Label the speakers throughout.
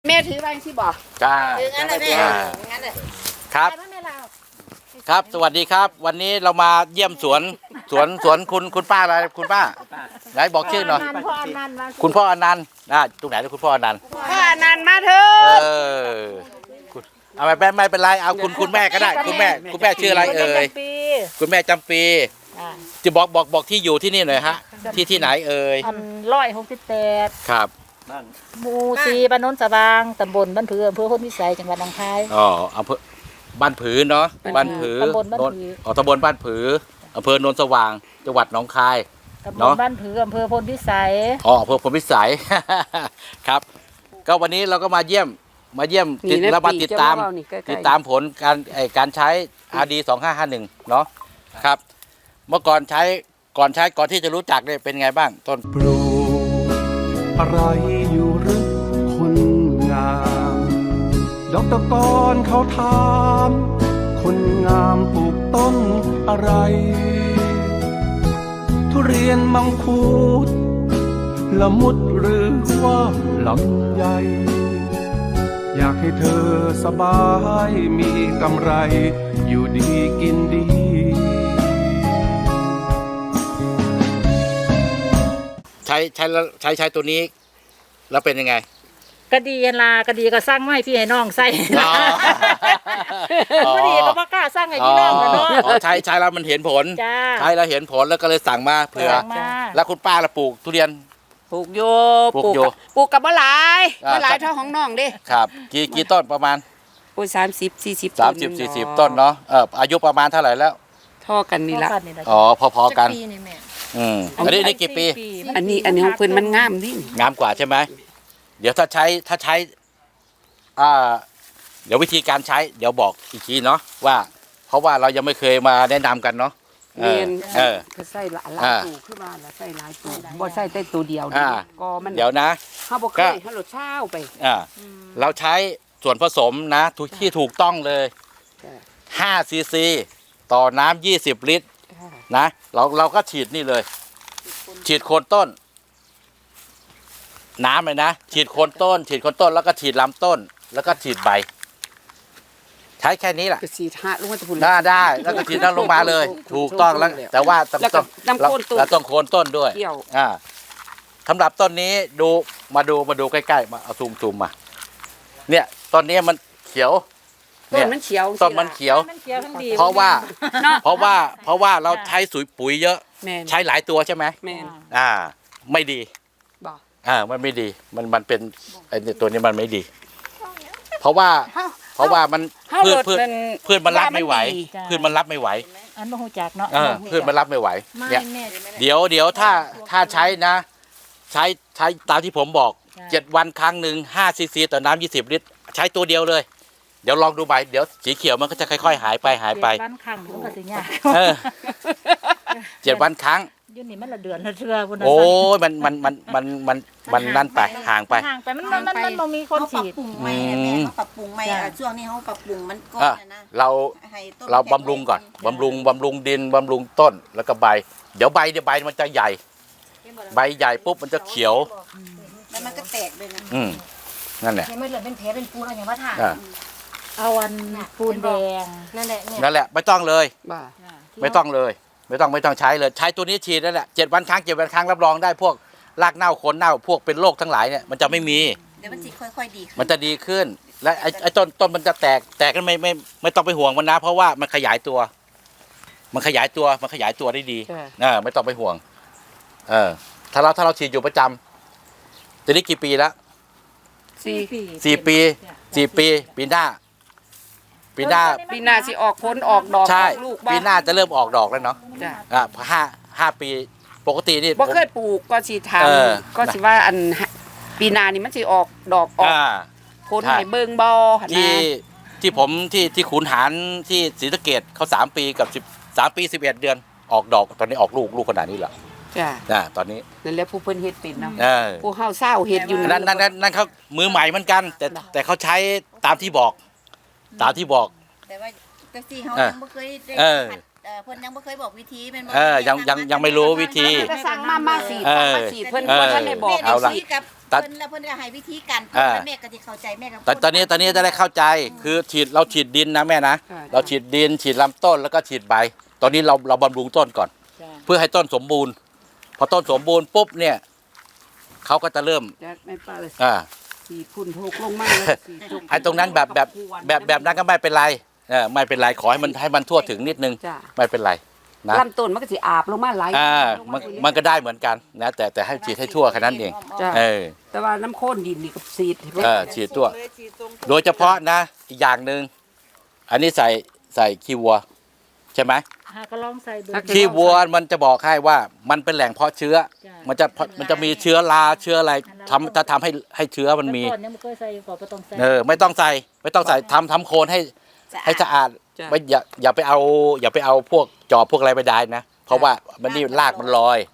Speaker 1: แม่ถือไว้ที่บอก
Speaker 2: ถืองั้นเลยแม่งั้นเลย
Speaker 3: ครับครับสวัสดีครับ วันนี้เรามาเยี่ยมสวนคุณป้าอะไรคุณป้าไหนบอกชื่อหน่อยคุณพ่ออนันต์ตรงไหนนะคุณพ่ออนันต์
Speaker 1: พ่ออนันต์มาเถอะ
Speaker 3: เอาไม่เป็นไรเอาคุณแม่ก็ได้คุณแม่ชื่ออะไรเอ่ยคุณแม่จำปีจะบอกที่อยู่ที่นี่หน่อยฮะที่ไหนเอ่ย
Speaker 4: 168
Speaker 3: ครับ
Speaker 4: หมู่4บ้านโนนสว่างตำบลบ้านผืออำเภอโพนพิสัยจังหวัดหนองคาย
Speaker 3: อ๋ออำเภอบ้านผือเนาะบ้านผือ
Speaker 4: ตำบลบ้านผือ
Speaker 3: ตำบลบ้านผืออำเภอโนนสว่างจังหวัดหนองคาย
Speaker 4: ตำบลบ้านผืออำเภอโพนพิสัย
Speaker 3: อ๋ออำเภอพลพิสัย ครับก็วันนี้เราก็มาเยี่ยมแล้วมาติดตามผลการใช้ RD 2551เนาะครับเมื่อก่อนก่อนที่จะรู้จักเนี่ยเป็นไงบ้างต้น
Speaker 5: ปลูกอะไรอยู่หรือคนงามดอกตะกอนเขาถามคนงามปลูกต้นอะไร ทุเรียนมังคุดละมุดหรือว่าลำไยอยากให้เธอสบายมีกำไรอยู่ดีกินดี
Speaker 3: ใช้ตัวนี้แล้วเป็นยังไง
Speaker 4: ก็ดีก็ดีก็สร้างไม้พี่ให้น้องใส่ก็ดีก็บ่กล้าสร้างให้พี่น้องกันเนาะ
Speaker 3: ใช้แล้วมันเห็นผลใช้แล้วเห็นผลแล้วก็เลยสั่งมาเผื่อแล้วคุณป้าละปลูกทุเรียน
Speaker 1: ปลูกโยปลูกกับมะหลายเท่าของน้องดิ
Speaker 3: ครับกี่ต้นประมาณ
Speaker 1: ปลูก30-40
Speaker 3: 30-40 ต้นเนาะอายุประมาณเท่าไหร่แล้ว
Speaker 1: ท่อกันนี่ละ
Speaker 3: อ๋อพอๆกันอันนี้กี่ปี
Speaker 1: อันนี้ของเพิ่นมันงามดิ
Speaker 3: งามกว่าใช่ไหมเดี๋ยวถ้าใช้เดี๋ยววิธีการใช้เดี๋ยวบอกอีกทีเนาะว่าเพราะว่าเรายังไม่เคยมาแนะนำกันเนาะ
Speaker 1: ก็ใส่หลายตัวขึ้นมาแล้วใส่หลายตัวบ่ใส่แต่ตัวเดียวก็มัน
Speaker 3: เดี๋ยวนะ
Speaker 1: เฮาบ่เคยเฮาลดเช้าไป
Speaker 3: เราใช้ส่วนผสมนะที่ถูกต้องเลย5 ซีซีต่อน้ำ20 ลิตรนะเราก็ฉีดนี่เลยฉีดโคนต้นน้ำเลยนะฉีดโคนต้นแล้วก็ฉีดลำต้นแล้วก็ฉีดใบใช้แค่นี้แหละ
Speaker 1: ฉีดลงมา
Speaker 3: ได้แล้วก็ฉีดน้ำลงมาเลยถูกต้องแล้วแต่ว่าต้องโคนต้นด้วยสำหรับต้นนี้มาดูใกล้ๆมาเอาซูมมาเนี่ยต้นนี้มันเขียว
Speaker 1: ต้นมันเขียว
Speaker 3: เพราะว่าเราใช้ปุ๋ยเยอะใช้หลายตัวใช่ไหมไม่ดีมันไม่ดีมันเป็นไอ้ตัวนี้มันไม่ดีเพราะว่ามันพืชมันรับไม่ไหว
Speaker 4: อันบ่ฮู้จักเนาะ
Speaker 3: พืชมันรับไม่ไหวเนี่ยเดี๋ยวถ้าใช้นะใช้ตามที่ผมบอก7 วันครั้งหนึ่ง5 ซีซีต่อน้ำ20 ลิตรใช้ตัวเดียวเลยเดี๋ยวลองดูใบเดี๋ยวสีเขียวมันก็จะค่อยๆหายไป
Speaker 4: 7 วันครั้งมันก็สิยาก
Speaker 3: 7 วันครั้ง
Speaker 4: อยู่นี่มันละเดือนละเทื่อพุ่นน่ะ
Speaker 3: โอ้ยมันนั่นไปห่างไป
Speaker 4: มันบ่มีคนฉีด
Speaker 2: ปรับปรุงใหม่แม่ปรับปรุงใหม่ช่วงนี้เฮาปรับปรุงมันก่อนนะ
Speaker 3: เราบำรุงก่อนบำรุงดินบำรุงต้นแล้วก็ใบเดี๋ยวใบมันจะใหญ่ใบใหญ่ปุ๊บมันจะเขียว
Speaker 2: แล้วมันก็แตกเลยนะ
Speaker 3: นั่นแหละ
Speaker 2: ไม่เหลือเป็นแผลเป็นปูนอะไรอย่างว่าถ่า
Speaker 4: เอาปูนแดง
Speaker 3: นั่นแหละไม่ต้องเลยไม่ต้องใช้เลยใช้ตัวนี้ฉีดนั่นแหละ7 วันครั้งรับรองได้พวกรากเน่าโคนเน่าพวกเป็นโรคทั้งหลายเนี่ยมันจะไม่มี
Speaker 2: เดี๋ยวมันจะค่อยๆดี
Speaker 3: มันจะดีขึ้นและไอ้ต้นมันจะแตกกันไม่ต้องไปห่วงมันนะเพราะว่ามันขยายตัวได้ดีไม่ต้องไปห่วงถ้าเราฉีดอยู่ประจำตอนนี้กี่ปีแล้ว4 ปีปีหน้า
Speaker 1: สิออกผลออกดอก
Speaker 3: ใช่ปีหน้าจะเริ่มออกดอกแล้วเนาะ5 ปีปกตินี่
Speaker 1: บ่เคยปลูกก็สิทำก็สิว่าอันปีหน้านี่มันสิออกดอกออกผลให้เบิ่งบ่
Speaker 3: ที่ผมที่ขุนหารที่ศรีสะเกษเขา3 ปีกับ3 ปี 11 เดือนออกดอกตอนนี้ออกลูกขนาดนี้แหละตอนนี้
Speaker 1: นั่นแหละผู้เพิ่นเฮ็ดเป็นเนาะผู้เฮาเศร้าเฮ็ดอยู่
Speaker 3: นั่นเขามือใหม่เหมือนกันแต่เขาใช้ตามที่บอก
Speaker 2: แต่ว่าที่เฮายังบ่เคยได้เพิ่นยังบ่เคยบอกวิธีแม่นบ่
Speaker 3: ยังไม่รู้วิธี
Speaker 1: ก็สั่งมาสีเพิ่นบ่ทันได้บอก
Speaker 2: เอาละ
Speaker 1: สิ
Speaker 2: กับเพิ่นแล้วเพิ่นก็ให้วิธีการแม่ก็สิเข้าใจแม่ก็
Speaker 3: แต่ตอนนี้จะได้เข้าใจคือเราฉีดดินนะแม่นะเราฉีดดินฉีดลำต้นแล้วก็ฉีดใบตอนนี้เราบำรุงต้นก่อน เพื่อให้ต้นสมบูรณ์พอต้นสมบูรณ์ปุ๊บเนี่ยเขาก็จะเริ่ม
Speaker 1: ไม่ป้าเลย สีพุ่นโพกลงมาเลยสีจุก
Speaker 3: ไอ้ตรงนั้นแบบนั้นก็ไม่เป็นไรไม่เป็นไรขอให้มันทั่วถึงนิดนึง
Speaker 1: จ้ะ
Speaker 3: ไม่เป็นไรนะ
Speaker 1: ลำต้นมันก็สิอาบลงมาไหล
Speaker 3: มันก็ได้เหมือนกันนะแต่ให้ฉีดให้ทั่วแค่นั้นเอง
Speaker 1: จ้ะ แต่ว่าน้ำข้นดินนี่ก็สีด
Speaker 3: ฉีดทั่วโดยเฉพาะนะอีกอย่างหนึ่งอันนี้ใส่ขี้วัวใช่ไหม
Speaker 4: ก็ลองใส่ดู
Speaker 3: ขี้วัวมันจะบอกให้ว่ามันเป็นแหล่งเพาะเชื้อ มันจะมีเชื้อราเชื้ออะไรจะทำให้เชื้อมันมี
Speaker 4: ก่อนยังไม่เคยใส่ก่อนไม่ต้องใส่
Speaker 3: ไม่ต้องใส่ทำโคนให้สะอาดไม่อย่าไปเอาพวกจอบพวกอะไรไปได้นะเพราะว่ามันนี่รากมันลอย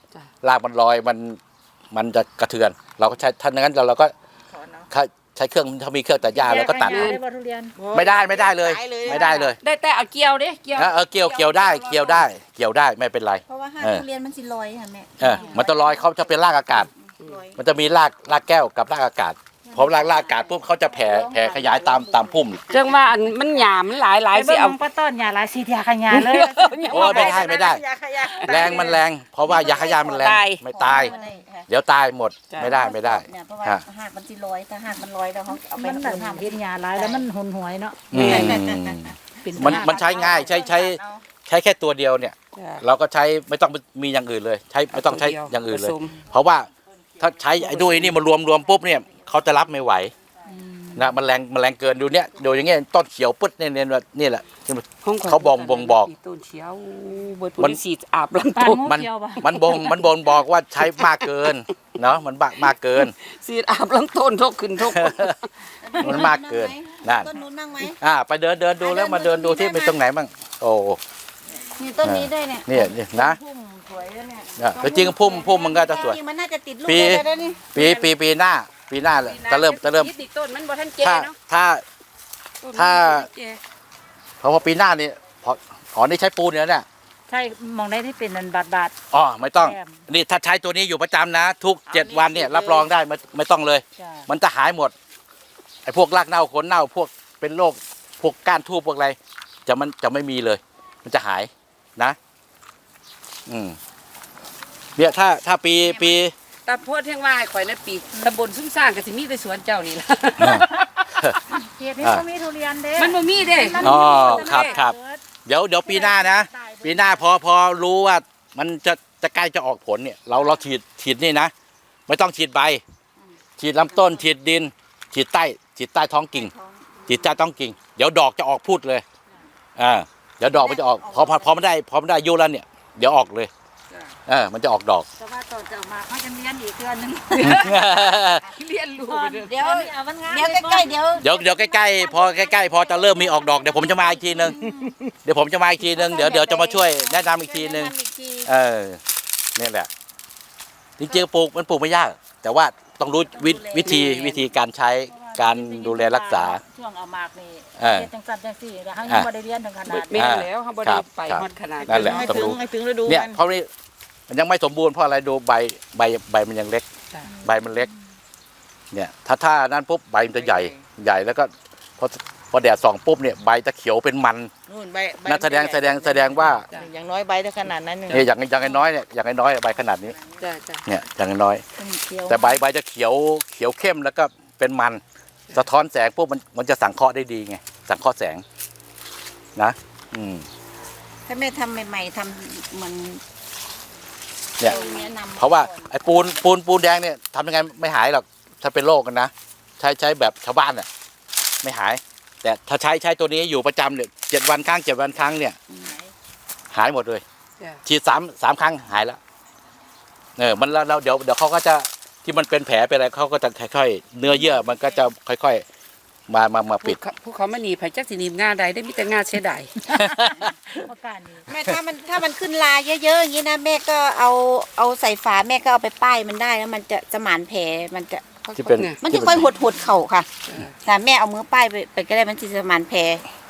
Speaker 3: มันจะกระเทือนเราก็ใช้ถ้าอย่างนั้นเราก็ใช้เครื่องถ้ามีเครื่องตัดหญ้าแล้วก็ตัด
Speaker 4: ได้บ่ทุเรียน
Speaker 3: ไม่ได้เลยไม่ได้เลย
Speaker 1: ได้แต่เอาเกี่ยวเด้เกี่ยว
Speaker 3: เกี่ยวได้ไม่เป็นไร
Speaker 2: เพราะว่าห้าทุเรียนมันสิลอยค่ะแม่
Speaker 3: มันจะลอยเขาจะเป็นรากอากาศ มันจะมีรากแก้วกับรากอากาศพอรากอากาศปุ๊บเขาจะแผ่ขยายตามพุ่ม
Speaker 1: จังว่าอันมันหยามมันหลายสิเอา
Speaker 4: ป้าต้นหญ้าหลายสียาขยาเลย
Speaker 3: โอ้ไม่ได้แรงมันแรงเพราะว่ายาขยายมันแรงไม่ตายเดี๋ยวตายหมดไม่ได้
Speaker 2: เนี่ยเพราะว่าหากมันสิลอยถ้าหากมันลอยแล้วเขาเอาไป
Speaker 4: มันแบบเห็นหญ้าหลายแล้วมันหุนหวยเนาะ
Speaker 3: มันใช้ง่ายใช้แค่ตัวเดียวเนี่ยเราก็ใช้ไม่ต้องมีอย่างอื่นเลยไม่ต้องใช้อย่างอื่นเลย เพราะว่าถ้าใช้ไอ้ด้วยนี่มารวมปุ๊บเนี่ยเขาจะรับไม่ไหวนะมันแรงเกินดูเนี่ยดูอย่างเงี้ยต้นเขียวปึ๊ดเนี่ยนี่แหละเขาบ่งบอก
Speaker 1: ต้นเขียวมันสีอาบลำต้น
Speaker 3: มันบ่งบอกว่าใช้มากเกินเนาะมันมากเกิน
Speaker 1: สีอาบลำต้นทกขึ้นทก
Speaker 3: มันมากเกินนั่น
Speaker 2: ต้นนู้นบ้างไหม
Speaker 3: ไปเดินดูแล้วมาเดินดูที่เป็นตรงไหนบ้างโอ้
Speaker 2: มีต้นนี้ด้วยเนี่ย
Speaker 3: นี่นะ
Speaker 2: พุ่มสวยแล้วเนี่ย
Speaker 3: แต่จริงพุ่มมันก็จะสวย
Speaker 2: มันน่าจะติดลูกได้แล้วนี่
Speaker 3: ปีหน้าจะเริ่ม
Speaker 1: ติดต้นมันบ่ทันแก่เนาะ
Speaker 3: ถ้าเพราะว่าปีหน้านี่พอนี่ใช้ปูนเนี่ย
Speaker 4: ใช่มองได้ที่เป็นนันบาท
Speaker 3: อ๋อไม่ต้องนี่ถ้าใช้ตัวนี้อยู่ประจำนะ ทุก7 วันเนี่ยรับรองได้ไม่ต้องเลย มันจะหายหมดไอ้พวกรากเน่าขนเน่าพวกเป็นโรคพวกก้านทูบพวกอะไรจะไม่มีเลย มันจะหายนะเนี่ยถ้าปี
Speaker 1: แต่โพดเที่ยงว่าข่อยในปีตำบลซุ้มสร้างก็สิมีแต่สวนเจ้านี่ล่ะ
Speaker 4: เขตนี้ก็มีทุเรียนเด้
Speaker 1: มันบ่มีเด้
Speaker 3: อ๋อครับเดี๋ยวปีหน้านะปีหน้าพอรู้ว่ามันจะใกล้จะออกผลเนี่ยเราฉีดนี่นะไม่ต้องฉีดใบฉีดลำต้นฉีดดินฉีดใต้ท้องกิ่งฉีดใต้ท้องกิ่งเดี๋ยวดอกจะออกพูดเลยเดี๋ยวดอกมันจะออกพอไม่ได้อายุแล้วเนี่ยเดี๋ยวออกเลยมันจะออกดอก
Speaker 4: แต่ว่าตอนจะมาเขาจะเรียนอีกเดือนนึง
Speaker 1: เรียนรู้ไปเด้อ
Speaker 2: เดี๋ยวใกล้ๆเดี๋ยว
Speaker 3: ใกล้ๆพอจะเริ่มมีออกดอกเดี๋ยวผมจะมาอีกทีนึงเดี๋ยวจะมาช่วยแนะนำอีกทีนึงนี่แหละจริงๆปลูกไม่ยากแต่ว่าต้องรู้วิธีการใช้การดูแลรักษา
Speaker 4: ช่วงเอามากนี่จังสันจังสี่แล้วเขายังไม่ได้เรียนถึงขนาด
Speaker 1: แม่แล้วเฮาบ่ได้ไปฮอดขนาด
Speaker 3: นั่นแหละต้องรู้เนี่ยเพราะนี่มันยังไม่สมบูรณ์เพราะอะไรดูใบมันยังเล็กใบมันเล็กเนี่ยถ้านั้นปุ๊บใบมันจะใหญ่แล้วก็พอแดดส่องปุ๊บเนี่ยใบจะเขียวเป็นมันนั่นแสดงว่า
Speaker 2: อย่างน้อยใบได้ขนาดนั้น
Speaker 3: เนี่ยอย่างน้อยเนี่ยอย่างน้อยใบขนาดนี้เนี่ยอย่างน้อยแต่ใบจะเขียวเข้มแล้วก็เป็นมันสะท้อนแสงปุ๊บมันจะสังเคราะห์ได้ดีไงสังเคราะห์แสงนะ
Speaker 2: ถ้าแม่ทำใหม่ๆทำเหมือน
Speaker 3: เนี่ยเพราะว่าไอ้ปูนแดงเนี่ยทำยังไงไม่หายหรอกถ้าเป็นโรคกันนะใช้แบบชาวบ้านเนี่ยไม่หายแต่ถ้าใช้ตัวนี้อยู่ประจำเนี่ย7 วันครั้งเนี่ยหายหมดเลยฉีด3 ครั้งหายแล้วมันแล้วเดี๋ยวเขาก็จะที่มันเป็นแผลเป็นอะไรเขาก็จะค่อยๆเนื้อเยื่อมันก็จะค่อยๆมาปิด
Speaker 1: พวกเขามาหนีไผจักสิหนีงาใดได้มีแต่งาเสียดาย
Speaker 2: แม่ถ้ามันขึ้นลาเยอะๆอย่างนี้นะแม่ก็เอาใส่ฝาแม่ก็เอาไปป้ายมันได้แล้วมันจะหมานแผลมันจะค่อยหดเข่าค่ะแต่แม่เอามือป้ายไปก็ได้มันจะหมานแผล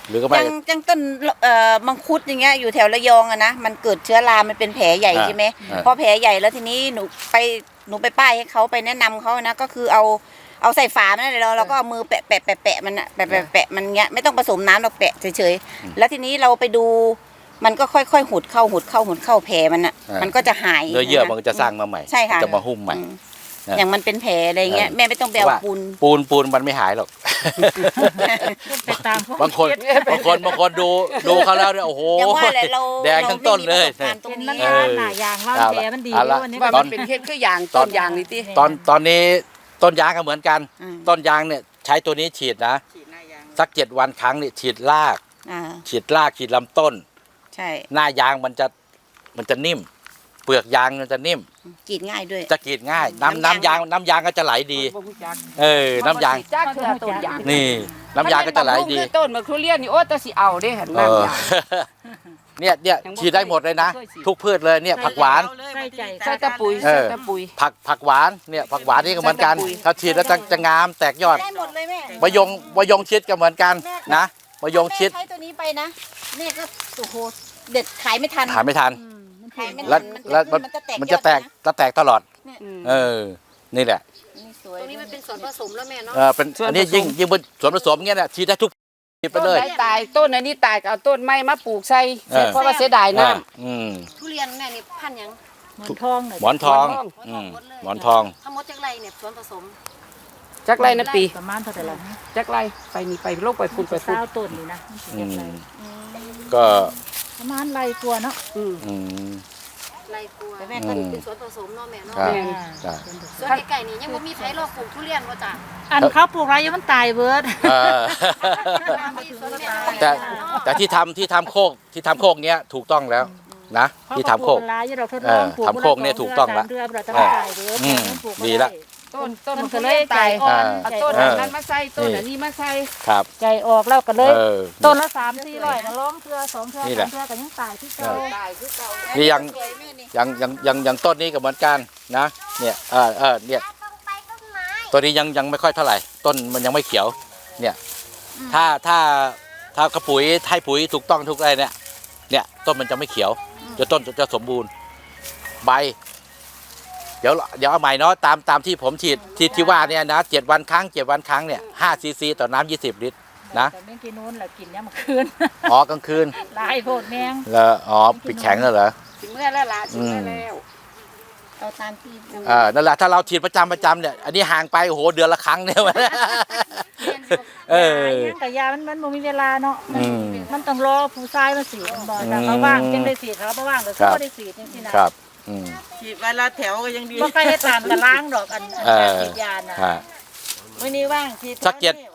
Speaker 3: หรือก็ไม่
Speaker 2: จังต้นมังคุดอย่างเงี้ยอยู่แถวระยองอะนะมันเกิดเชื้อรา มันเป็นแผลใหญ่ใช่ไหมพอแผลใหญ่แล้วทีนี้หนูไปป้ายให้เขาไปแนะนำเขานะก็คือเอาใส่ฝามันเลยเราก็เอามือแปะมันอะแปะมันเงี้ยไม่ต้องผสมน้ำเราแปะเฉยๆแล้วทีนี้เราไปดูมันก็ค่อยๆหุดเข้าแผลมันอะมันก็จะหาย
Speaker 3: เนื้อเยื่อมันก็จะสร้างมาใหม่
Speaker 2: ใช่ค่ะ
Speaker 3: จะมาหุ้มใหม่
Speaker 2: อย่างมันเป็นแผลอะไรเงี้ยแม่ไม่ต้องไปเอาปูน
Speaker 3: ปูนมันไม่หายหรอก
Speaker 4: ไปตาม
Speaker 3: บางคนดูเขาแล้วเนี่ยโอ้โห
Speaker 2: อย่างว่าแหละเรา
Speaker 3: แดงทั้งต้นเลย
Speaker 2: ราไม่มีประสบการณ์ตรง
Speaker 4: เป็น
Speaker 2: นี้
Speaker 4: มันหลายอย่างว่าแผลมันดี
Speaker 3: เอาละ
Speaker 4: วันนี้
Speaker 1: ว่ามันเป็นเฮ็ดคืออย่างต้นยางนี่ติ
Speaker 3: ตอนนี้ต้นยางก็เหมือนกัน ต้นยางเนี่ยใช้ตัวนี้ฉีดนะสัก7 วันครั้งเนี่ยฉีดราก ฉีดลำต้น
Speaker 2: ใช่
Speaker 3: หน้ายางมันจะนิ่ม เปลือกยางมันจะนิ่ม
Speaker 2: กรีดง่ายด้วย
Speaker 3: จะกรีดง่าย น้ำยางก็จะไหลดี น้ำยาง
Speaker 1: จ้าคือต้นยาง
Speaker 3: นี่ น้ำยางก็จะไหลดี
Speaker 1: คือต้นมะทุเรียนนี่โอ้แต่สิเอาเด้หั่นน้ำยาง
Speaker 3: เนี่ยฉีดได้หมดเลยนะ ทุกพืชเลยเนี่ยผักหวาน
Speaker 4: ใส่ใจ
Speaker 1: ใส่ตะปุ๋ยใส่ตะปุ๋ย
Speaker 3: ผักหวานเนี่ยผักหวานนี่ก็เหมือนกัน
Speaker 1: ใส่ปุ๋ย
Speaker 3: ถ้าฉีดแล้วจะงามแตกยอด
Speaker 2: ได้หมดเลยแม่
Speaker 3: มะยงชิดก็เหมือนกันนะมะยงชิด
Speaker 2: แม่ใช้ตัวนี้ไปนะแม่ก็โอ้โหเด็ดขายไม่ทัน
Speaker 3: หาไม่ทัน
Speaker 2: ขายไม่ทั
Speaker 3: แล้ว
Speaker 2: มันจะแตก
Speaker 3: มันจะแตกตลอด
Speaker 1: อืม
Speaker 3: นี่แหละ
Speaker 2: นี่สวย
Speaker 6: ตรงนี้มันเป็นส่วนผสมแล้วแม่เนาะ
Speaker 3: เป็นอันนี้ยิ่งเป็นส่วนผสมเงี้ยเนี่ยฉีดได้ทุกฉีดไป
Speaker 1: ต้น
Speaker 3: เลย
Speaker 1: ไหนตายต้นอันนี้ตายก็เอาต้นไม้มาปลูกใส่เพราะว่าเสียดายน้ำ
Speaker 6: ทุเรียนแม่นี่พันธุ์หยัง
Speaker 4: หมอนทองน่ะ
Speaker 3: หมอนทอง หมอนทอง
Speaker 6: ทั้งหมดจากไรเนี่ยส่วนผสม
Speaker 1: จักไรนะปี
Speaker 4: ประมาณเท่าไหร่ล่ะ
Speaker 1: จักไรไปนี่ไปโลกไปฝุ่นไปฝุ่น
Speaker 4: เศร้าต้นนี่นะมันสิ
Speaker 3: อื
Speaker 4: เก็บไร
Speaker 3: มก็
Speaker 4: ประมาณไรตัวเนาะ
Speaker 1: อืม
Speaker 3: อืม
Speaker 6: ไรกลัว
Speaker 2: แต่แม่
Speaker 6: ก็
Speaker 2: ก็
Speaker 6: เป็นส่วนผสมเนาะแม่เนาะ
Speaker 3: ครับ
Speaker 1: แม่น
Speaker 3: จ้ะ
Speaker 6: ส่วนไก่ๆนี่ยังบ่มีไผรอบปลูกทุเรียนว่าจ้ะ
Speaker 4: อันเขาปลูกไรยังมันตายเบิด
Speaker 3: เออ
Speaker 6: มีส่วนแม่
Speaker 3: แต่ที่ทำโคกเนี้ยถูกต้องแล้วนะที่ทำโคก
Speaker 4: ลายเราทดลองปลูก
Speaker 3: ทำโคกเนี่ยถูกต้องละ
Speaker 4: เดือนเราจะไม่ตายเบิด
Speaker 3: อืมดีละ
Speaker 1: ต้น
Speaker 4: มั
Speaker 1: มัน น
Speaker 4: ก็
Speaker 1: ก็
Speaker 4: เล
Speaker 1: เลย ย
Speaker 4: ใจ
Speaker 1: ตาย
Speaker 4: อ่อน
Speaker 1: เอา
Speaker 4: ใจ
Speaker 1: ต้น
Speaker 4: อ่อน
Speaker 1: นั้นมาใส่ต้นอันนี้มาใส่
Speaker 3: ครับ
Speaker 4: ใจออกแล้วก็เลย
Speaker 3: เออ
Speaker 4: ต้นละ3-400ก็ร้องเทื่อ2เทื่อ
Speaker 3: นี่แหละ
Speaker 4: 3เทื่อก็ยังตายที่เก่า
Speaker 1: ตายคือเก่า
Speaker 3: นี่ยังต้นนี้ก็เหมือนกันนะเนี่ยเนี่ยตัวนี้ยังไม่ค่อยเท่าไหร่ ต้นมันยังไม่เขียว เนี่ย ถ้ากระปุ๋ยให้ปุ๋ยถูกต้องทุกอะไรเนี่ยต้นมันจะไม่เขียวต้นจะสมบูรณ์ใบ เดี๋ยวเอาใหม่เนาะตามที่ผมฉีดที่ว่าเนี่ยนะ7 วันครั้งเนี่ย5 ซีซีต่อน้ำ20 ลิตรนะ
Speaker 4: แต่เมื่อกี้นู้นแหละกินยามมื้อคืน
Speaker 3: อ๋อกลางคืน
Speaker 4: หลายโพดแมง
Speaker 3: แล้วอ๋อปิดแข็งแล้วเหรอ
Speaker 1: ถึงเมื่อแล้วล่ะถึงเมื่อแล้ว
Speaker 2: เอาตามที่
Speaker 3: นั่นแหละถ้าเราฉีดประจำเนี่ยอันนี้ห่างไปโอ้โหเดือนละครั้งเนี่ยเออ
Speaker 4: ยังแต่ยามันบ่มีเวลาเนาะ
Speaker 3: อืม
Speaker 4: มันต้องรอผู้ชายมาสีดบ่ถ้าเขาว่างจังได้สีดเขาบ่ว่างก็
Speaker 3: ครับ
Speaker 4: บ่ได้สีดจังซี่นะครับ
Speaker 3: อืม
Speaker 7: ฉีดวันละแถวก็ยังดี
Speaker 4: บ่ค่อยเฮ็ดตามกันล้างดอกอัน
Speaker 3: เออ
Speaker 4: การฉีดยาน่ะ
Speaker 3: ฮะ
Speaker 7: วันนี้ว่างฉีด
Speaker 3: สัก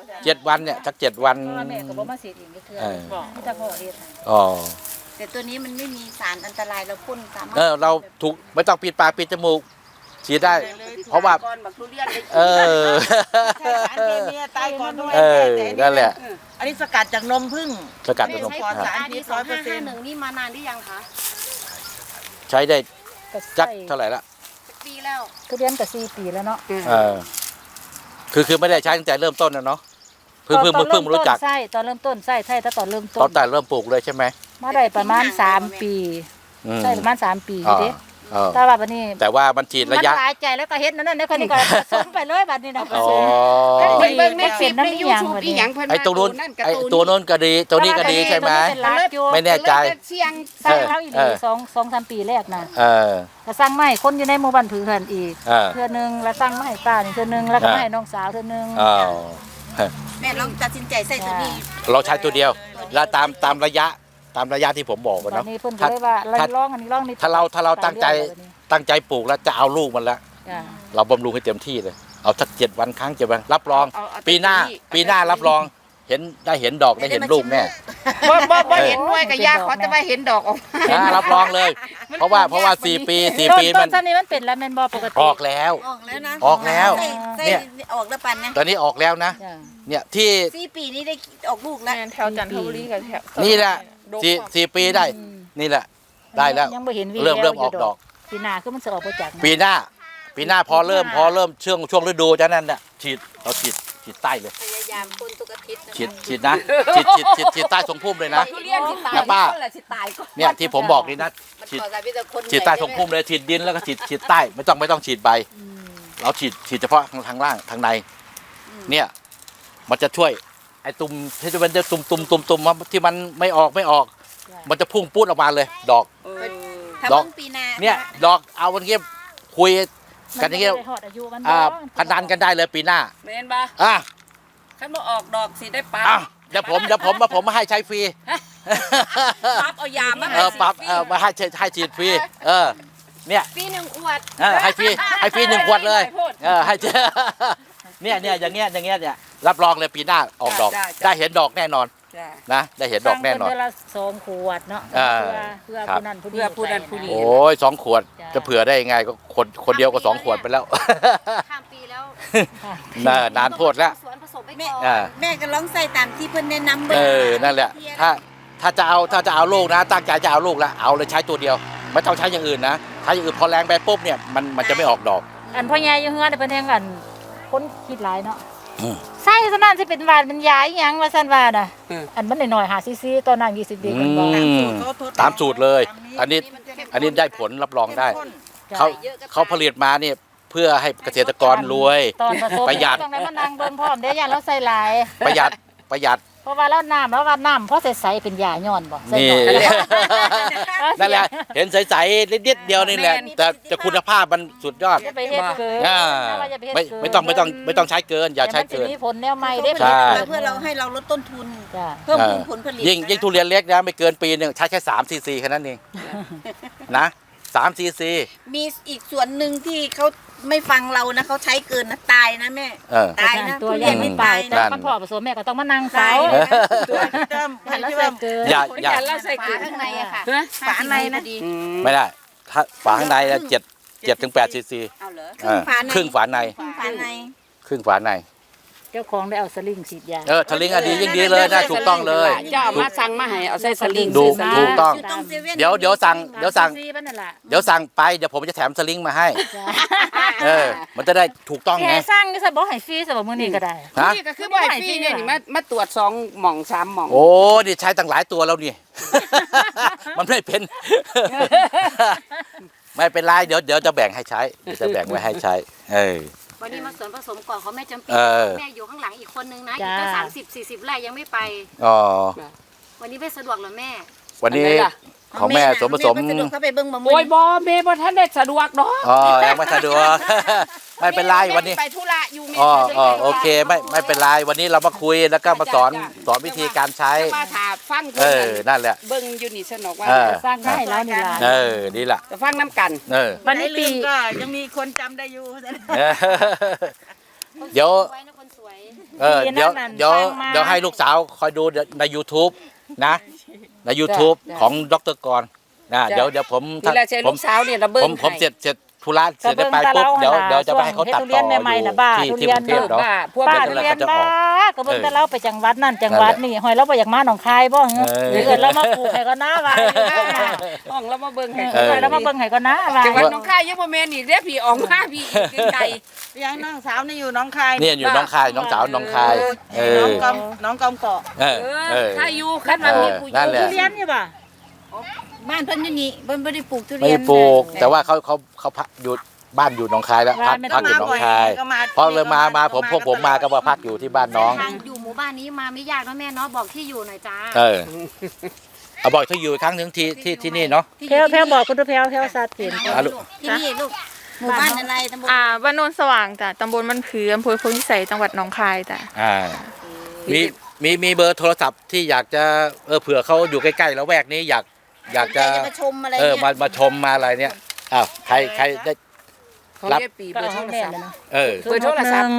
Speaker 3: 7 วันเนี่ยสัก7 วัน
Speaker 4: เพราะว่าแม่ก็บ่มาสีดอีกเทื่อ
Speaker 3: เออ
Speaker 4: มีแต่พ่อเฮ็ดให้
Speaker 3: อ๋อ
Speaker 2: แต่ตัวนี้มันไม่มีสารอันตรายเราพ่นสามารถ
Speaker 3: เราถูกไม่ต้องปิดปากปิดจมูกฉีดได้ เพราะว่า
Speaker 1: ก่อนบักทุเรียนได้
Speaker 3: เออ
Speaker 7: ใช้สารเคมีตายก่อนด้วย
Speaker 3: เออ
Speaker 7: แต่
Speaker 3: นั่นแหละ
Speaker 7: อันนี้สกัดจากนมผึ้ง
Speaker 3: สกัดเป็นนม
Speaker 7: ปลอด
Speaker 3: ครับ
Speaker 7: สาร
Speaker 6: อันนี้2551นี่มานานหรือยังคะ
Speaker 3: ใช้ได้
Speaker 4: ก็
Speaker 3: จัก
Speaker 4: ใส่
Speaker 3: เท่าไหร่ละ
Speaker 6: สักปีแล้ว
Speaker 4: ทุเรียนก็4 ปีแล้วเนาะ
Speaker 3: เออคือไม่ได้ใช้ตั้งแต่เริ่มต้นนะเนาะเพิ่งมารู้จัก
Speaker 4: ใช่ตอนเริ่มต้นใช่ถ้าตอนเริ่มต้
Speaker 3: ตอนแต่เริ่มปลูกเลยใช่ไหม
Speaker 4: มาได้ประมาณ3 ปี
Speaker 3: อืม
Speaker 4: ใช่ประมาณ3 ปีอ
Speaker 3: อ๋อยู่
Speaker 4: เด้
Speaker 3: อ๋อ
Speaker 4: แต่ว่าบัดนี้
Speaker 3: แต่ว่ามันฉีดระยะ
Speaker 4: มันหลายใจแล้วก็เฮ็ดนั่นแล้วคนนี้ก็ผสมไปเลยบัดนี้นะผ
Speaker 3: อ๋อ
Speaker 4: สม
Speaker 1: เพิ่นเบิ่งในคลิปใน
Speaker 4: น้ำอีหยัง
Speaker 1: YouTube
Speaker 4: วะเนี่ย
Speaker 1: อีหยังเพิ่น
Speaker 3: ไอ้ตรงนู้น
Speaker 1: ว่า
Speaker 3: ไอ้ตัวนู้นก็ดีตัวนี้ก็ดีใช่ไหม
Speaker 4: เป็นรักอยู่
Speaker 3: ไม่แน่ใจ
Speaker 1: เสียง
Speaker 4: ใส่เขาอีก
Speaker 3: เออ
Speaker 4: 2-3 ปีแรกนะ
Speaker 3: เออ
Speaker 4: ก็สั่งมาให้คนอยู่ในหมู่บ้านผือเพิ่นอีก
Speaker 3: เออ
Speaker 4: เทื่อนึงแล้วสั่งมาให้ป้านี่เทื่อนึงแล้วก็
Speaker 3: เออ
Speaker 4: มาให้น้องสาวเทื่อนึง
Speaker 3: อ้าว
Speaker 2: แม่ลองตัดสินใจใส่ตัวนี้
Speaker 3: เราใช้ตัวเดียว แล้วตามระยะที่ผมบอกกัน
Speaker 4: ตอ
Speaker 3: เนาะ
Speaker 4: นนี้เพิ่นก็เลยว่า
Speaker 3: ถ้า
Speaker 4: ลองอันนี้ลองนี่
Speaker 3: ถ้าเราตั้งใจปลูกแล้วจะเอาลูกมันแล้ว
Speaker 4: จ้ะ
Speaker 3: เราบำรุงให้เต็มที่เลย เอาสัก7 วันครั้ง7 วันรับรอง
Speaker 1: เอา
Speaker 3: ปีหน้ารับรองได้เห็นดอกได้เห็นลูกแน่
Speaker 1: บ่เห็นหน่วยกับยาขอแต่ว่าเห็นดอกออกมา
Speaker 3: รับรองเลย เพราะว่า4 ปี
Speaker 4: ต้
Speaker 3: มัน
Speaker 4: นนี้มันเป็นแล้วแม่นบ่ปกติ
Speaker 3: ออกแล้ว
Speaker 2: ออกแล้วนะ
Speaker 3: ออกแล้ว
Speaker 2: ใส่
Speaker 3: เนี่ย
Speaker 2: ออกแล้วปันนะ
Speaker 3: ตอนนี้ออกแล้วนะ
Speaker 4: จ้ะ
Speaker 3: เนี่ยที่
Speaker 2: 4 ปีนี้ได้ออกลูกแล้ว
Speaker 7: แถวจันทบุรีกับแถว
Speaker 3: นี่แหละสี่ปีได้ นี่แหละ ได้แล้ว
Speaker 4: ยังบ่เห็นวี
Speaker 3: เริ่มออกดอก
Speaker 4: ปีหน้าคือมันสิออกบ่จาก
Speaker 3: ปีหน้าพอเริ่มช่วงฤดูจะนั่นน่ะเราฉีดใต้เลย
Speaker 2: ยามคนทุกอาทิตย์นะ
Speaker 3: ฉีดนะฉีดใต้ทรงพุ่มเลยนะ
Speaker 1: ทุเรียนสิตาย
Speaker 3: นะป้า
Speaker 1: คนละสิตายก่อน
Speaker 3: เนี่ยที่ผมบอกนี่นะ
Speaker 2: มัน
Speaker 3: ฉีด
Speaker 2: ขอสายพิษคน
Speaker 3: ฉีดใต้ทรงพุ่มเลยฉีดดินแล้วก็ฉีดใต้ไม่ต้องฉีดใบเราฉีดเฉพาะทางล่างทางในเนี่ยมันจะช่วยไอ้ตุ่มที่มันจะตุ่มที่มันไม่ออกมันจะพุ่งปูดออกมาเลยดอก
Speaker 2: ทำเพิ่งปีนา
Speaker 3: เนี่ยดอกเอาวันนี้คุยกันอย่างเงี้ย
Speaker 4: มัหอดอายุมัน
Speaker 3: พนันกันได้เลยปีหน้า
Speaker 1: แม่นบ่
Speaker 3: อ่ะ
Speaker 1: คันบ่ออกดอกสิได้ปลา
Speaker 3: อ่ะเดี๋ยวผมมาให้ใช้ฟรี
Speaker 1: ปั๊บเอายามา
Speaker 3: ปรับมาให้ฉีดฟรีเนี่ย
Speaker 6: ปี1 ขวด
Speaker 3: ให้ฟรี1 ขวดเลยให้เนี่ยอย่างเงี้ยเนี่ยรับรองเลยปีหน้าออกดอกได้เห็นดอกแน่นอน
Speaker 1: จ้ะ
Speaker 3: นะได้เห็นดอกแน่นอน
Speaker 4: เดือนละ2 ขวดเนาะ เพื่อ
Speaker 3: ครับ
Speaker 4: ผู้นั้นผู้นี้
Speaker 1: เพื่อผู้นั้นผู้นี้
Speaker 3: โอ้ย2 ขวดจะเผื่อได้ยังไงก็คนเดียวก็2 ขวดไปแล้ว
Speaker 6: ข้ามปีแล้ว
Speaker 3: นานโพดแล้ว
Speaker 6: สวนผสมไป
Speaker 2: แม่
Speaker 6: ก่อน
Speaker 2: แม่ก็ร้องใส่ตามที่เพิ่นแนะนำเบิ่ง
Speaker 3: นั่นแหละถ้าจะเอาลูกนะตั้งใจจะเอาลูกแล้วเอาเลยใช้ตัวเดียวไม่ต้องใช้อย่างอื่นนะใช้อย่างอื่นพอแรงไปปุ๊บเนี่ยมันจะไม่ออกดอก
Speaker 4: อันพ่อใหญ่อยู่เฮือนเพิ่นแฮงกันคนคิดหลายเนาะ
Speaker 3: อืม
Speaker 4: ใส่ซะนั่นสิเป็นหวานเป็นยาอีหยังว่าซั่นว่าน่ะอันมันน้อยๆ5 cc ตอนนั้น20เด็กกันบ่
Speaker 3: ตามสูตรเลย อันนี้ได้ผลรับรองได้เขาผลิตมาเนี่ยเพื่อให้เกษตรกรรวย
Speaker 4: ตอนผสม
Speaker 3: ประหยัด
Speaker 4: ต้องได้มานั่งเบิ่งพร้อมเด้อย่าเราใส่หลาย
Speaker 3: ประหยัด
Speaker 4: เพราะว่าเราน้ำแล้วว่าน้ำเพราะใสๆเป็นยาย้อนบ่ใส่
Speaker 3: นี่
Speaker 4: หน่อย
Speaker 3: นั่นแหละเห็นใสๆนิดเดียวนี่แหละแต่คุณภาพมันสุดยอด
Speaker 4: อย่าไปเฮ็ดเกิน
Speaker 3: อ่า
Speaker 4: อย่าไปเฮ็ด
Speaker 3: ไม่
Speaker 4: เกิน
Speaker 3: ไม่ต้องใช้เกินอย่าใช้เกิน
Speaker 4: ดี๋ยวมันสิมีผลแนวใหม่ได้
Speaker 3: ใช่
Speaker 2: เพื่อเราให้เราลดต้นทุน
Speaker 4: จ้ะ
Speaker 2: เพิ่มพูนผลผลิต
Speaker 3: ยิ่งทุเรียนเล็กนะไม่เกินปีหนึงใช้แค่3 cc แค่นั้นเองนะ3 cc
Speaker 2: มีอีกส่วนหนึ่งที่เขาไม่ฟังเรานะเขาใช้เกินนะตายนะแม่ ตายนะ
Speaker 4: ตัว
Speaker 2: ทุ
Speaker 4: ให
Speaker 2: เรี
Speaker 4: ญ่
Speaker 2: ยน
Speaker 4: ไม่
Speaker 2: ไม่
Speaker 4: ตา
Speaker 2: ตาย ย
Speaker 4: แต่
Speaker 2: นะ
Speaker 4: มันพอผสมแม่ก็ต้องมานั่งเฝ้า
Speaker 7: ตัวเริ่ม
Speaker 4: หันแล้ว
Speaker 7: ที่
Speaker 4: ใส่
Speaker 7: ว่า
Speaker 4: เกิน
Speaker 3: อย่า
Speaker 6: ฝาข้างในอะค่ะ
Speaker 1: ฮะ
Speaker 2: ฝาในนะ
Speaker 3: ไม่ได้ถ้าฝาข้างใน7 ถึง 8 cc
Speaker 1: เอาเหรอ
Speaker 3: ครึ่งฝาใน
Speaker 2: ฝาใน
Speaker 3: ครึ่งฝาใน
Speaker 4: เจ้าของได้เอาสลิงฉีดยา
Speaker 3: ทะลิงอะดียิ่งดีเลยนะถูกต้องเลย
Speaker 1: เจ้ามาสั่งมาให้เอาใส่สลิง
Speaker 3: ดู
Speaker 1: ซื้อ
Speaker 3: ถูกต้อง
Speaker 2: อยู่ตรงเซเว่น
Speaker 3: เดี๋ยวสั่ง
Speaker 4: ซีมันนั่นล่ะ
Speaker 3: เดี๋ยวสั่งไปเดี๋ยวผมจะแถมสลิงมาให้ มันจะได้ถูกต้อง
Speaker 4: แค่
Speaker 3: ไง
Speaker 4: สร้างก็ซะบ่ให้ฟรีซะบ่มื้อนี้ก็ได้
Speaker 3: ฮะ
Speaker 1: นี่ก็คือบ่ให้ฟรีเนี่ยนี่มาตรวจ2 หม่อง 3 หม่อง
Speaker 3: โอ้นี่ใช้ตั้งหลายตัวแล้วนี่ มันไม่เป็น ไม่เป็นไรเดี๋ยวจะแบ่งให้ใช้เดี๋ยวจะแบ่งไว้ให้ใช้
Speaker 6: วันนี้มาสวนผสมก่อนเขาแม่จำปี แม่อยู่ข้างหลังอีกคนนึงนะอีกตั้ง30-40 ไร่ยังไม่ไป
Speaker 3: อ๋อ
Speaker 6: วันนี้ไม่สะดวกเหรอแม่
Speaker 3: วันนี้ของแม่สมผสม
Speaker 2: แก็สะดวกเข้าไปเบิ่งมะม่
Speaker 1: โอ้
Speaker 2: วย ง
Speaker 1: บ่แม่บ่ทันได้สะดวกดอก
Speaker 3: อ๋อยังไม่สะดวก ไม่เป็นไรวันนี้
Speaker 1: ไปธุระอยู่แม่
Speaker 3: โอเคไม่เป็นไรวันนี้เรามาคุยแล้วก็มาสอนวิธีการใช้
Speaker 1: จะมาถามฟังเพิ่น
Speaker 3: นั่นแหละ
Speaker 1: เบิ่งอยู่นี่สนุกว่า
Speaker 4: สร้างได้แล้วนี่ล่ะ
Speaker 3: นี่แหละ
Speaker 1: จะฟังน้ำกัน
Speaker 4: วันนี้ปี
Speaker 7: ก็ยังมีคนจำได้อยู่
Speaker 3: เดี๋ยว
Speaker 6: ไว้นะคนสวย
Speaker 3: เดี๋ยวให้ลูกสาวคอยดูใน YouTube นะใน YouTube ของดร.กรนะเดี๋ยวผม
Speaker 1: นี่แหละเสียลูกสาวเนี่ยระเบิ่ง
Speaker 3: ผมเสร็จธุระเสร็จได้ไปปุ๊บเดี๋ยวจะไปให้เขาตัดต่ออยู่ที่กรุงเทพเนาะ
Speaker 1: พวก
Speaker 4: ป้า
Speaker 3: เดี๋
Speaker 4: ทุ
Speaker 3: ยว
Speaker 4: เรียน
Speaker 3: จะอ
Speaker 4: บ้า
Speaker 3: อก
Speaker 4: ก็เบิ่งแต่เราไปจังหวัดนั่นจังหวัดนี่หอยเราบ่อยากมาหนองคายบ่เหรอหรือเกิดเรามาปลูกให้ก็น่าว่า
Speaker 1: ห้องแล้วมาเบิ่งให้
Speaker 4: เรามาเบิ่งให้ก็น่าว่า
Speaker 1: จังหวัดหนองคายยังบ่แม่นอีกเด้อพี่ออกมาพี่อีกไกล
Speaker 7: ยังน้องสาวนี่อยู่น้องคาย
Speaker 3: เนี่ยอยู่น้องคายน้องสาวน้องคาย
Speaker 7: น้องกำเกาะ
Speaker 1: ถ้าอยู่คันมันมีผู้
Speaker 3: นั่นแหละ
Speaker 4: ทุเรียนนี่บ่
Speaker 2: บ้านเพิ่นอยู่นี่เพิ่นบ่ได้ปลูกทุ
Speaker 3: ไม่
Speaker 2: เรียน
Speaker 3: ปลูกแต่ว่าเขาพักอยู่บ้านอยู่หนองคายแล้วพักอยู่หนองคายพอเลยมาพวกผมมาก็มาพักอยู่ที่บ้านน้อง
Speaker 6: ทางอยู่หมู่บ้านนี้มาไม่ยากนะแม่เนาะบอกที่อยู่หน่อยจ้า
Speaker 3: เอาบอกถ้าอยู่อีกครั้งหนึ่งที่นี่เนาะ
Speaker 4: แพรวบอกคุณแพรวสัตว์เห็น
Speaker 3: อ่ะลูก
Speaker 2: ที่นี่ลูกหมู่บ้านอะไรตำบล
Speaker 8: บ้านโนนสว่างจ้ะตำบลบ้านผืออำเภอโพธิสัยจังหวัดหนองคายจ้ะ
Speaker 3: มีเบอร์โทรศัพท์ที่อยากจะเผื่อเขาอยู่ใกล้ๆแล้วแวกนี้อยากจะ
Speaker 2: มาชมอะไรเนี่ย
Speaker 3: มาชมมาอะไรเนี่ยอ้าวใครได้
Speaker 1: เขาเรียกปีเบอร์โทรศัพท์
Speaker 3: เออ
Speaker 1: เบอร์โทรศัพท์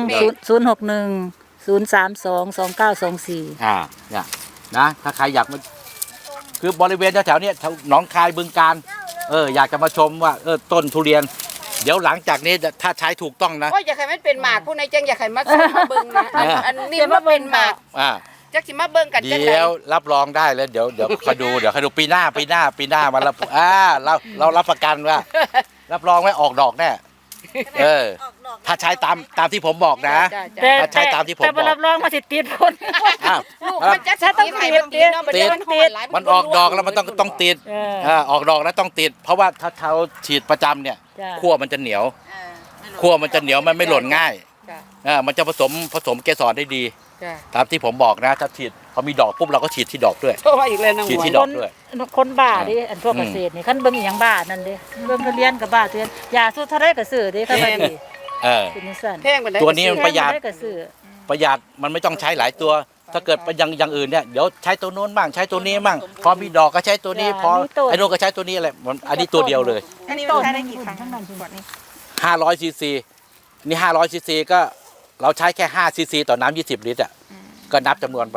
Speaker 4: 061-032-2924
Speaker 3: เนี่ยนะถ้าใครอยากมาคือบริเวณแถวๆเนี้ยแถวหนองคายบึงการอยากจะมาชมว่าต้นทุเรียน เดี๋ยวหลังจากนี้ถ้าใช้ถูกต้องนะ
Speaker 1: ก็อยากให้มันเป็นหมากผู้ใดจังอยากให้มาซื้อมาเบิ่งนะอันนี้ว่าเป็นหมาก จักสิมาเบิ่งกันจังได๋
Speaker 3: เดี๋ยวรับรองได้แล้วเดี๋ยวคอยดูปีหน้ามาแล้วเรารับประกันว่า รับรองไว้ออกดอกแน่ถ้าใช้ตามที่ผมบอกนะ
Speaker 4: แต่
Speaker 3: ถ้าใช้ตามที่ผม
Speaker 4: แต่
Speaker 3: บอก
Speaker 4: รับรองมาสิติดคน
Speaker 3: อ้าว
Speaker 1: มันจะถ้าต้องติดมันติด
Speaker 3: มันออกดอกแล้วมันต้องติดออกดอกแล้วต้องติด เพราะว่าถ้าเขาฉีดประจำเนี่ยขั้วมันจะเหนียวขั้วมันจะเหนียวมันไม่หล่นง่ายมันจะผสมเกสรได้ดีตามที่ผมบอกนะถ้าฉีดพอมีดอกปุ๊บเราก็ฉีดที่ดอกด้วย
Speaker 1: โทรมาอีกเลยน้อง
Speaker 3: ฉีด
Speaker 1: หว
Speaker 3: ที่
Speaker 1: ย
Speaker 3: ดอกด้วย
Speaker 4: คนบ้าดิอันพวกเกษตรนี่คันเบิ่งอีหยังบ้านั่นเด้เบิ่งเรียนกับบ้าเตือนยาสู้เท่าไรก็ซื้อเด้คันว่าดีเป็นจังซั่น
Speaker 1: แพงไปได้
Speaker 3: ตัวนี้มันประหยัด
Speaker 4: เท่าไก็ซื้อ
Speaker 3: ประหยัดมันไม่ต้องใช้หลายตัว ถ้าเกิดไปอย่างอื่นเนี่ยเดี๋ยวใช้ตัวโน้นบ้างใช้ตัวนี้บ้างพอมีดอกก็ใช้ตัวนี้พอไอ้โน้นก็ใช้ตัวนี้อะไรอันนี้ตัวเดียวเลย
Speaker 7: อันนี้
Speaker 4: ต้
Speaker 7: มัน
Speaker 4: น
Speaker 7: ใช้ได้กี่ครั้งทั้งนั้นขวดนี้
Speaker 3: 500ซีซีนี่500ซีซีก็เราใช้แค่5ซีซีต่อน้ำ20 ลิตรอ่ะก็นับจำนวนไป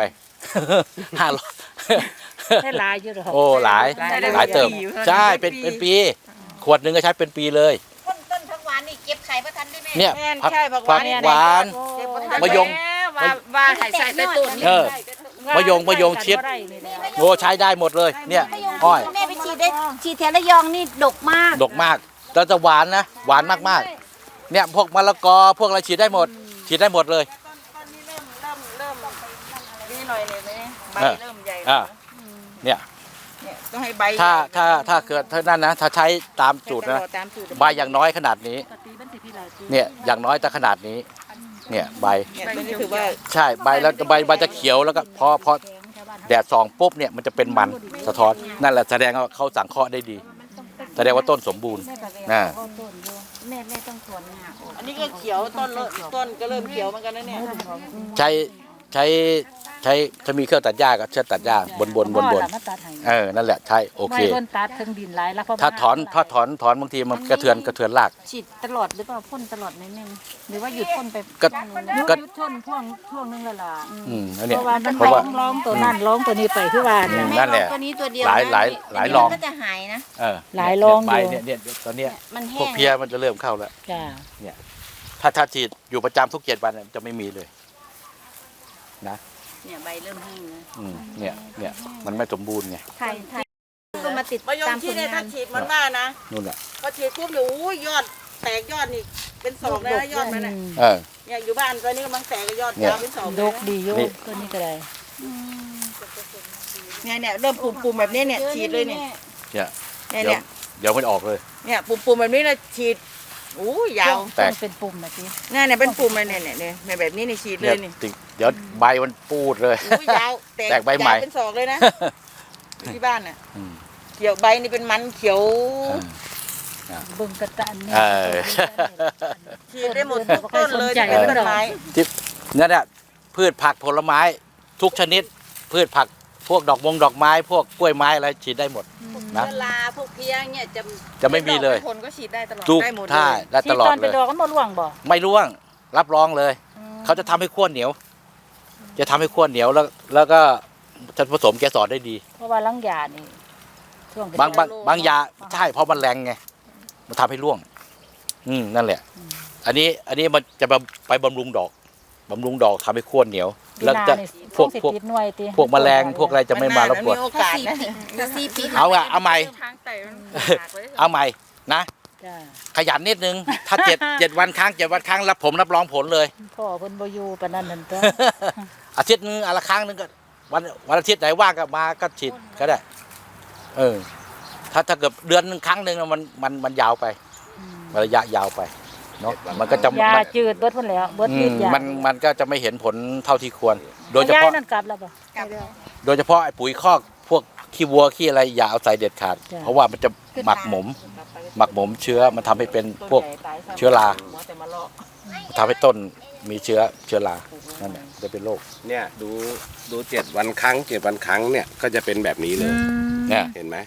Speaker 3: 500
Speaker 4: ได้หลายอยู่ดอก
Speaker 3: โอ้หลายเติมใช่เป็นปีขวดหนึ่งก็ใช้เป็นปีเลย
Speaker 2: ต้นผักหวานนี่เก็บไข่ประทันได้ไหม
Speaker 3: เนี่ย
Speaker 7: แม่น
Speaker 3: ผัก
Speaker 7: ใช่ผักห
Speaker 3: ผั
Speaker 7: วาก น
Speaker 3: หวาน
Speaker 7: เก็บบ่ทัน
Speaker 3: มะยง
Speaker 1: ว่าให้ใส่ใต้ต้น
Speaker 3: มะยงชิดโอ้ใช้ได้หมดเลยเนี่ยอ้อย
Speaker 2: แม่ไปฉีดแถวระยองนี่ดกมาก
Speaker 3: ดกมากแล้วจะหวานนะหวานมากๆเนี่ยพวกมะละกอพวกอะไรฉีดได้หมดเลย
Speaker 7: ต้นนี้เริ่มนี่หน่อยเลยไหมใบเริ่มใหญ่
Speaker 3: เนี่ย
Speaker 7: เนี่ยต้องให้ใบ
Speaker 3: ถ้าเกิดเท่านั้นนะถ้าใช้ตามสูตรนะ
Speaker 7: ตามสูตร
Speaker 3: ใบอย่างน้อยขนาดนี้เนี่ยอย่างน้อยแต่ขนาดนี้เนี่ยใบ
Speaker 7: เนี่ยตัวนี้ถือว่า
Speaker 3: ใช่ใบแล้วใบจะเขียวแล้วก็พอแดดส่องปุ๊บเนี่ยมันจะเป็นมันสะท้อนนั่นแหละแสดงว่าเขาสังเคราะห์ได้ดี แสดงว่าต้นสมบูรณ์นะ
Speaker 2: แม่ต้องถอนงาออก
Speaker 7: อันนี้ก็เขียวต้นก็เริ่มเขียวเหมือนกันนะเนี่ย
Speaker 3: ใช้ถ้ามีเครื่องตัดหญ้าก็เชือกตัดหญ้าบน
Speaker 4: มาตัดให้
Speaker 3: นั่นแหละใช่โอเค
Speaker 4: ไม่คนตัดถึงดินหลายแล้วเพราะ
Speaker 3: ถ้าถอนบางทีมันกระเทือนราก
Speaker 2: ฉีดตลอดหรือเปล่าพ่นตลอดไหมแม่หรือว่าหยุดพ่นไป
Speaker 3: ก็
Speaker 4: ก็ช่วงนึงแล้วล่ะ
Speaker 3: อันเนี้ย
Speaker 4: เพราะว่ามัน
Speaker 3: เพราะว่า
Speaker 4: ร้องตัวนั่นร้องตัวนี้ไปคือว่าเนี่ย
Speaker 3: นั่นแหละ
Speaker 2: ตัวนี้ตัวเดียว
Speaker 3: หลายลอง
Speaker 2: ก็จะหายนะ
Speaker 4: หลายลองอยู่
Speaker 3: ใบเนี่ยตอนเนี้ย
Speaker 2: มัน
Speaker 3: พ
Speaker 2: แห้
Speaker 3: วก
Speaker 2: ง
Speaker 3: เพี้ยมันจะเริ่มเข้าแล้ว
Speaker 4: จ้า
Speaker 3: ถ้าฉีดอยู่ประจำทุก7 วันจะไม่มีเลยนะ
Speaker 2: เนี่ยใบเริ่มแห้งนะ
Speaker 3: เนี่ยมันไม่สมบูรณ์ไง
Speaker 2: ไทยก็มาติด
Speaker 7: มะยง
Speaker 2: ตาม
Speaker 7: ที่
Speaker 2: ผล
Speaker 7: เนี่ย
Speaker 2: งา
Speaker 7: ถ้าน ฉีดมันว่านะ
Speaker 3: นู่นแหละ
Speaker 7: พอฉีดปุ๊บเดี๋ยวอุ้ยยอดแตกยอดนี่เป็นศอกเลยนะยอดมันน่ะ เนี่ยอยู่บ้านตอนนี้กำลังแตกยอดยาวเป็นศอกเล
Speaker 4: ด
Speaker 7: ย
Speaker 4: ก
Speaker 7: นะ
Speaker 4: ดีอยู่ตัวนี้ก็ได้
Speaker 7: เนี่ยเริ่มปุ่มแบบนี้เนี่ยฉีดเลยเนี่ย
Speaker 3: เนี่ยเดี๋ยวมันออกเลย
Speaker 7: เนี่ยปุ่มแบบนี้นะฉีดอู้ยาว
Speaker 3: แตก
Speaker 4: เป็นปุ่มนะพี่
Speaker 7: เนี่ยเป็นปุ่มเลยเนี่ยแบบนี้นี่ฉีดเลยนี่
Speaker 3: เดี๋ยวใบมันปูดเลย
Speaker 7: อู้ยาว
Speaker 3: แตกใบใหม่
Speaker 7: ยาวเป็นศอกเลยนะที่บ้านน่ะเขียวใบนี่เป็นมันเขียว
Speaker 4: เบิ่งกระตันนี่
Speaker 7: ฉีดได้หมดทุกต้นเลยที่เป็นต้นไม้
Speaker 3: นั่นแหละพืชผักผลไม้ทุกชนิด พืชผักพวกดอกไม้ พวกกล้วยไม้อะไรฉีดได้หมดนะ
Speaker 2: เวลาพวกเพียงเนี่ยจะ
Speaker 3: ไม่มีเลย
Speaker 7: ผลก็ฉีดได้ตลอด
Speaker 3: ทุก
Speaker 7: ได้หมดเล
Speaker 3: ท่าย ได้
Speaker 4: ที่
Speaker 3: ตลอด
Speaker 4: ตอน
Speaker 3: เล
Speaker 4: เป็น
Speaker 3: ย
Speaker 4: ดอกก็บ่ร่วงบ่
Speaker 3: ไม่ร่วงรับรองเลย เขาจะทำให้ขั้วเหนียว จะทำให้ขั้วเหนียวแล้วก็จะผสมเกสรได้ดี
Speaker 4: เพราะว่าลังยานี่ช่วง
Speaker 3: บางยาใช่เพราะมันแรงไงมันทำให้ร่วงนั่นแหละ อันนี้มันจะไปบำรุงดอกทำให้ขั้วเหนียว แล้วจะพวกแมลงพวกอะไรจะไม่มารบกวน
Speaker 7: มีโอกาสนะ
Speaker 2: 4 ปี
Speaker 3: เอาใหม่
Speaker 8: ทางไต่มันหักเลย
Speaker 3: เอาใหม่นะ
Speaker 4: จ้า
Speaker 3: ขยันนิดนึง ถ้า7 วันครั้ง7 วันครั้งรับรับรองผลเลย
Speaker 4: พ่อเพิ่นบ่อยู่ปานนั้นนั่นตัว
Speaker 3: อาทิตย์นึงละครั้งนึงก็วันอาทิตย์ไหนว่างก็มาก็ฉีดก็ได้ถ้าเกิดเดือนนึงครั้งนึงมันยาวไประยะยาวไปเนาะมันก็จะ
Speaker 4: ยาจืดเบิดพุ่นแล้วเบิดฤทธิ์ยา
Speaker 3: มันก็จะไม่เห็นผลเท่าที่ควร โดยเฉพาะ
Speaker 4: นั่นกลับแล้วบ่
Speaker 3: โดยเฉพาะไอ้ปุ๋ยคอกพวกขี้วัวขี้อะไรอย่าเอาใส่เด็ดขาด
Speaker 4: จ้ะ
Speaker 3: เพราะว่ามันจะหมักหมมเชื้อมันทำให้เป็นพวกเชื้อราทำให้ต้นมีเชื้อรานั่นแหละจะเป็นโรค
Speaker 9: เนี่ยดู7 วันครั้ง7 วันครั้งเนี่ยก็จะเป็นแบบนี้เลย
Speaker 3: เนี่ย
Speaker 9: เห็นไหม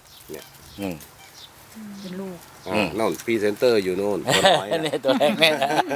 Speaker 4: เป็นลูก
Speaker 9: โน่นพรีเซนเตอร์อยู่โน่นตัวน้อย
Speaker 3: นี่ตัวแรกแม่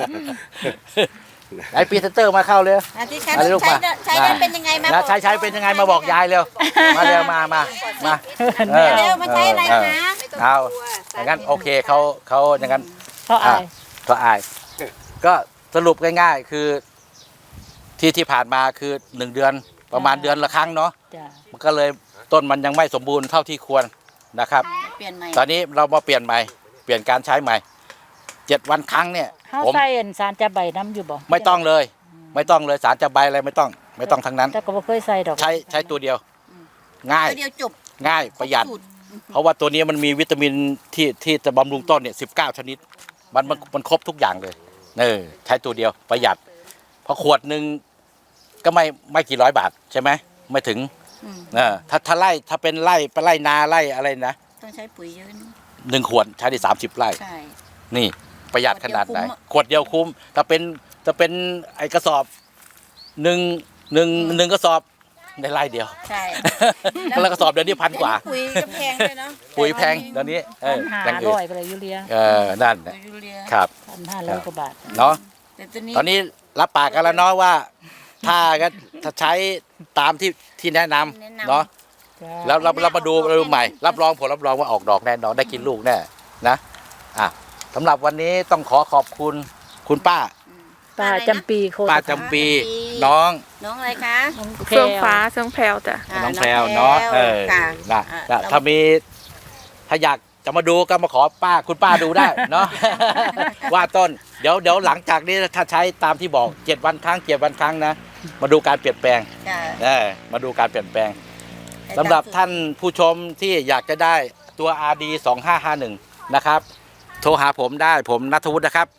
Speaker 3: ไอพรีเซนเตอร์มาเข้าเลย
Speaker 2: ที่ใช้ได้เป็นยังไงมา
Speaker 3: นะใช้เป็นยังไงมาบอกยายเร็วมาเร็วมา
Speaker 2: เร็วมาใช้อะไรคะ
Speaker 3: เอาอย่างนั้นโอเคเขาอย่างนั้น
Speaker 4: เขาอาย
Speaker 3: ก็อายก็สรุปง่ายๆคือที่ผ่านมาคือ1 เดือนประมาณเดือนละครั้งเนาะ
Speaker 4: จ้า
Speaker 3: มันก็เลยต้นมันยังไม่สมบูรณ์เท่าที่ควรนะครับ
Speaker 2: เปลี่ยนใหม่
Speaker 3: ตอนนี้เรามาเปลี่ยนใหม่เปลี่ยนการใช้ใหม่ 7 วันครั้งเนี่ย
Speaker 4: เฮา
Speaker 3: ผม
Speaker 4: ใส่อันสารจับใบน้ำอยู่บ่
Speaker 3: ไม่ต้องเลยสารจะใบอะไรไม่ต้องทั้งนั้น
Speaker 4: แต่ก็บ่เคยใส่ดอก
Speaker 3: ใช้ตัวเดียว ง่าย
Speaker 2: ตัวเดียวจบ
Speaker 3: ง่ายประหยัด
Speaker 2: สูตร
Speaker 3: เพราะว่าตัวนี้มันมีวิตามินที่จะบำรุงต้นเนี่ย19 ชนิดมันครบทุกอย่างเลยใช้ตัวเดียวประหยัดเพราะขวดหนึ่งก็ไม่กี่ร้อยบาทใช่ไหมไม่ถึงถ้าไร่ถ้าเป็นไร่นาไร่อะไรนะ
Speaker 2: ต้องใช้ปุ๋ยเยอะนะ
Speaker 3: 1 ขวดใช้ได้30 ไร่
Speaker 2: ใช่
Speaker 3: นี่ประหยัดขนาดไหน
Speaker 2: ขวดเดียวคุ้ม
Speaker 3: ขวดเดียวคุ้มถ้าเป็นไอกระสอบหนึ่งกระสอบในไร่เดียว
Speaker 2: ใช่
Speaker 3: แล้วกระสอบเดี๋ยวนี้1,000 กว่า
Speaker 2: ปุ๋ยก็แพงด้วยเนาะ
Speaker 3: ปุ๋ยแพงเดี๋ยวนี้อย่างอื่น
Speaker 4: 1,500ไปเลยยูเรีย
Speaker 3: นั่น
Speaker 2: ปุ๋ยยูเรีย
Speaker 3: ครับ
Speaker 4: 1,500กว่าบาท
Speaker 3: เนาะ
Speaker 2: แต่ตัวนี้
Speaker 3: ตอนนี้รับปากกันแล้วเนาะว่าถ้าใช้ตามที่แนะนำเนาะแล้วเรามาดูใหม่รับรองว่าออกดอกแน่นอนได้กินลูกแน่นะสำหรับวันนี้ต้องขอบคุณคุณป้า
Speaker 4: ป้าจำปีโคตร
Speaker 3: ป้าจำปีน้อง
Speaker 2: น้องอะไรคะ
Speaker 8: เฟื่องฟ้าเฟื่องแพรวจ้ะ
Speaker 3: น้องแพรวเนาะ
Speaker 2: ค่ะ
Speaker 3: ถ้าอยากจะมาดูก็มาขอคุณป้าดูได้เนาะ ว่าต้นเดี๋ยวหลังจากนี้ถ้าใช้ตามที่บอก7 วันครั้งนะมาดูการเปลี่ยนแปลงมาดูการเปลี่ยนแปลงสำหรับท่านผู้ชมที่อยากจะได้ตัว RD 2551นะครับโทรหาผมได้ผมณัฐวุฒินะครับ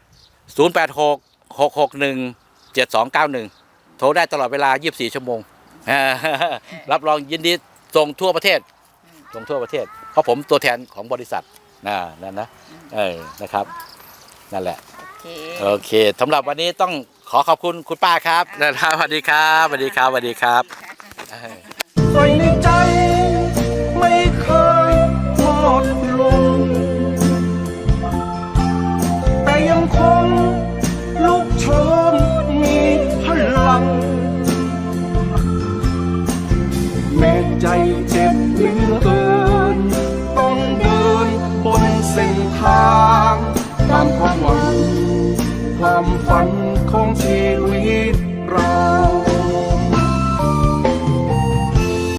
Speaker 3: 086-661-7291โทรได้ตลอดเวลา24 ชั่วโมง รับรองยินดีส่งทั่วประเทศเพราะผมตัวแทนของบริษัทนั่นนะนะครับนั่นแหละโอเคสำหรับวันนี้ต้องขอขอบคุณคุณป้าครับนะครับสวัสดีครับ
Speaker 5: ใส่ในใจ